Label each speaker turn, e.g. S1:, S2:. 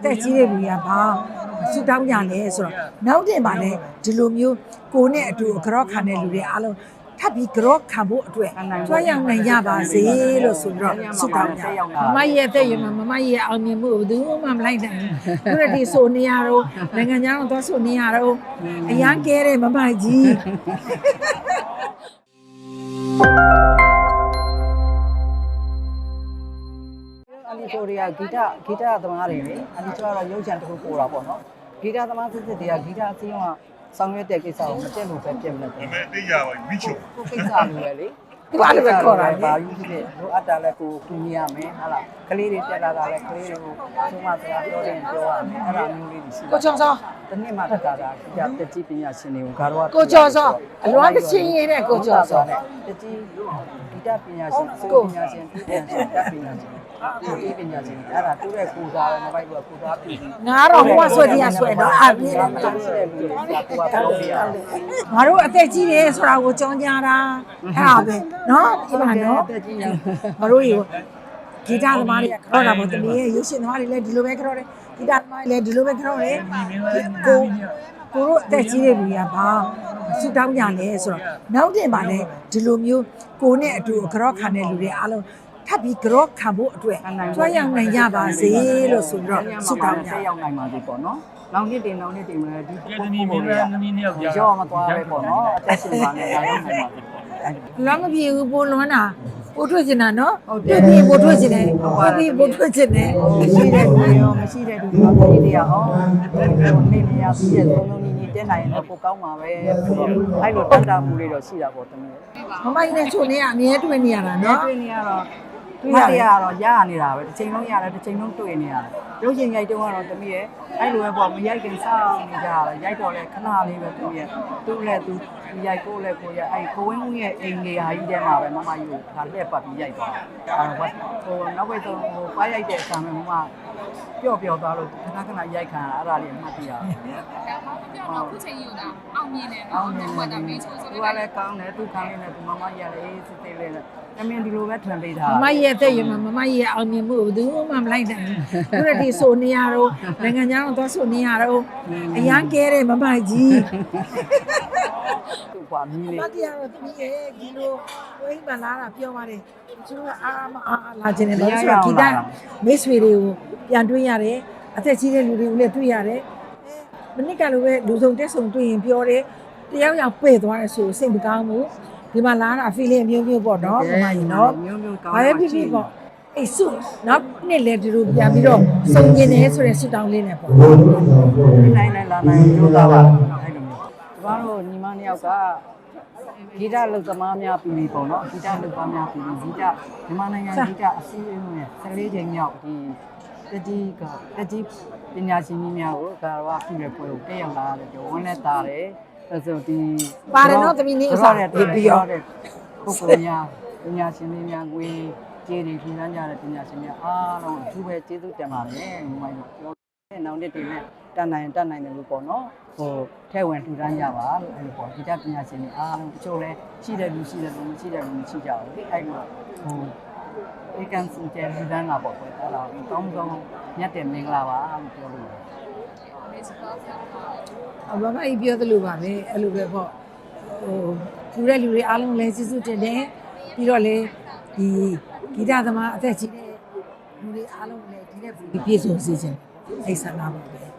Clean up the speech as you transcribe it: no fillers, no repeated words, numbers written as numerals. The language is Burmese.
S1: သက်ကြီးတဲ့လူတွေကဘာဆူတောင်းကြလဲဆိုတော့နောက်တင်ပါလေဒီလိုမျိုးကိုနဲ့အတူကြော့ခံတဲ့လူတွေအားလုံးထပ်ပြီးကြော့ခံဖို့အတွက်ကြွားရောက်နိုင်ကြပါစေလို့ဆိုပြီးတော့ဆူတောင်းကြမမရဲ့တဲ့ရမမမရဲ့အောင်မြင်မှုဘယ်သူမှမလိုက်နိုင်ဘူးသူတို့ဒီဆိုနေရတော့နိုင်ငံခြားတော့ဆိုနေရတော့အရန်ကဲတဲ့မမကြီး
S2: အလီဆိုတွေကဂီတသမားတွေလေအလီဆိုကတော့ရုပ်ချံတစ်ခုပို့တာပေါ့နော်ဂီတသမားစစ်တွေကဂီတအစည်းအရုံးကဆောင်ရွက်တဲ့ကိစ္စကိုမတက်လို့ပဲပြင်မလို့ဒါပေမဲ့သိကြပါမိချုံကိုကိစ္စလိုပဲလေ
S1: ဒီပါလို့ပဲခေါ်တာ
S2: ဘာယူဖြစ်လို့အတ္တလည်းကိုတူညီရမယ်ဟာလားကလေးတွေတက်လာတာလည်းကလေးတွေကိုသုံးမစကားပြောတယ်ပြောရမယ်အဲ့ဒါမျိုးလေးတွေရှိ
S1: ကိုချောစော
S2: တနေ့မှတက်တာတက်ကြီးပညာရှင်တွေကိုဂါရော
S1: ကိုချောစောအလွမ်းကချင်းရတဲ့ကိုချောစော
S2: တက်ကြီးဂီတပညာရှင်ကိုပညာရှင်တက်ပညာရှင်ဒီပညာရှင်အဲ့ဒါတူတဲ့ကိုစားပဲမပိုက်ဘူးကိုစားပြီ
S1: ငါတော့ဟိုကဆွဲတရားဆွဲတော့အပြည့်
S2: တယ်ရှိတဲ့လူတွေကကိုကပြောပြရ
S1: ငါတို့အသက်ကြီးတယ်ဆိုတာကိုကြောင်းကြတာအဲ့ဒါပဲနော်ဒီမှာနော်
S2: အသက်ကြီးရ
S1: ငါတို့ရေဂီတသမားတွေကခေါ်တာပေါ့တမီးရဲ့ရုပ်ရှင်သမားတွေလည်းဒီလိုပဲခေါ်တယ်ဂီတသမားတွေလည်းဒီလိုပဲခေါ်တယ်ကိုတို့အသက်ကြီးတဲ့လူတွေကဘာဆူတောင်းကြလဲဆိုတော့နောက်တင်ပါလေဒီလိုမျိုးကိုနဲ့အတူကြော့ခံတဲ့လူတွေအားလုံးထပ်ပြီးကြော့ခံဖို့အတွက်ကြွားရောက်နိုင်ကြပါစေလို့ဆိုပြီးတော့ဆူတောင်းကြ
S2: ရောက်နိုင်ပါစေပေါ့နော်နောက်နှစ်တင်မလဲဒီပုံပုံတွေကရောမသွားပဲပေါ့နော်အသက်ရှင်ပါနဲ့ဒါရောက်နိုင်ပါစေ
S1: လမ်းမပြေဘူးပိုလွန်းတာပို့ထွက်ချင်တာနော်တွေ့ပြီးပို့ထွက်ချင်တယ်တွေ့ပြီးပို့ထွက်ချင်တယ်
S2: ရှိတဲ့လူရောမရှိတဲ့လူရောပြည်တရားဟောနေနေရပြီးတဲ့သုံးလုံးညီတက်နိုင်ရင်တော့ပိုကောင်းပါပဲအဲ့လိုတန်တာမှုလေးတော့ရှိတာပေါ့တမီး
S1: မမကြီးနဲ့ချိုနေကအမြဲတွေ့နေရတာနော်
S2: တွေ့နေရတော့တွေ့ရတော့ရနေတာပဲတစ်ချိန်လုံးရတယ်တစ်ချိန်လုံးတွေ့နေရတယ်ရုပ်ရှင်ရိုက်တုန်းကတော့တမီးရဲ့အဲ့လိုပဲပေါ့မရိုက်ခင်စောင့်နေကြရတယ်ရိုက်တော့လဲခဏလေးပဲတမီးရဲ့သူ့လည်းသူရိုက်ကိုလည်းကိုရအဲ့ကိုဝင်းဦးရဲ့အိမ်လေးဟာကြီးထဲမှာပဲမမကြီးကိုဒါလက်ပတ်ပြီးရိုက်သွားတယ်ဟိုနောက်ပဲတော့ဟိုပါရိုက်တဲ့အချိန်မှာမမပျော့သွားလို့ခဏရိုက်ခံရအဲ့ဒါလေးမှတ်ပြရတယ်
S3: ဟုတ်ခုချိန်ယူတာအောင်မြင်တယ်နော်ဘယ်တော့မေးချိုးဆို
S2: သူကလည်းကောင်းတယ်သူခံနေတယ်သူမမကြီးလည်းအေးစစ်စစ်လေးနဲ့အမင်းဒီလိုပဲထွန်ပေးတာ
S1: မမရဲ့တဲ့ရမမမရဲ့အောင်မြင်မှုဘယ်သူမှမလိုက်နိုင်ဘူးသူတို့ဒီဆိုနေရတော့နိုင်ငံခြားတော့ဆိုနေရတော့အရန်ကဲတဲ့မမကြီး
S2: သူ့ကွာမီးလေး
S1: မတရားတော့သမီးရဲ့ဒီလိုဝိမလာတာပြောပါတယ်သူကအားမအားလာခြင်းနဲ့လို့ဆိုတော့ဂီတမိတ်ဆွေတွေကိုပြန်တွေ့ရတယ်အသက်ကြီးတဲ့လူတွေကိုလည်းတွေ့ရတယ်မနစ်ကလိုပဲလူစုံတက်ဆုံတွေ့ရင်ပြောတယ်တယောက်ယောက်ပဲ့သွားတယ်ဆိုစိတ်မကောင်းဘူးဒီမှာလာတာ feeling မျိုးမျိုးပေါ့နော်ဒီမှာရင်နော်ဘာပဲဖြစ်ဖြစ်ပေါ့အေးစုနောက်နှစ်လည်းဒီလိုပြန်ပြီးတော့စုံကျင်တယ်ဆိုတဲ့ဆုတောင်းလေးနဲ့ပေါ့
S2: နိုင်လာနိုင်ကြိုးစားပါအဲ့လိုမျိုးကျမတို့ညီမနှစ်ယောက်ကဂီတလုတ်သမားများပြီးပေါ့နော်ဂီတလုတ်သမားများပြီးဂီတမြန်မာနိုင်ငံဂီတအစည်းအရုံးရဲ့14ချိန်မြောက်ဒီတကြီးပညာရှင်ကြီးများကိုဒါတော့ပြုတဲ့ပွဲကိုတက်ရောက်လာတယ်ဝန်းနဲ့တာတယ်အဲ့ဆိုဒီ
S1: ပါတယ်နော်သမီးနေအစား
S2: ဒီပြီးရောတဲ့ပုဂ္ဂိုလ်များပညာရှင်တွေများငွေကြေးတွေပြည်နှံ့ကြတဲ့ပညာရှင်များအားလုံးအထူးပဲကျေးဇူးတင်ပါတယ်မိုင်းပြောတဲ့နောက်နေ့တွေနဲ့တတ်နိုင်တယ်လို့ပေါ့နော်ဟိုထဲဝင်ထူထမ်းကြပါလို့အဲ့လိုပေါ့ဒီတက်ပညာရှင်တွေအားလုံးတချို့လဲရှိတဲ့လူမရှိတဲ့လူမရှိတဲ့လူမရှိကြဘူးလေအဲ့လိုဟိုဧကန်စင်ကျလူတန်းလာပေါ့ကွယ်အဲ့ဒါကောင်းမြတ်တယ်မင်္ဂလာပါလို့ပြောလို့
S1: အဘမကြီးပြောသလိုပါပဲအဲ့လိုပဲပေါ့ဟိုလူတဲ့လူတွေအားလုံးလည်းကျေးဇူးတင်တယ်ပြီးတော့လေဒီဂီတသမားအသက်ကြီးတဲ့လူတွေအားလုံးလည်းဒီတဲ့ပြည့်စုံစေခြင်းအိဆန္ဒပါပဲ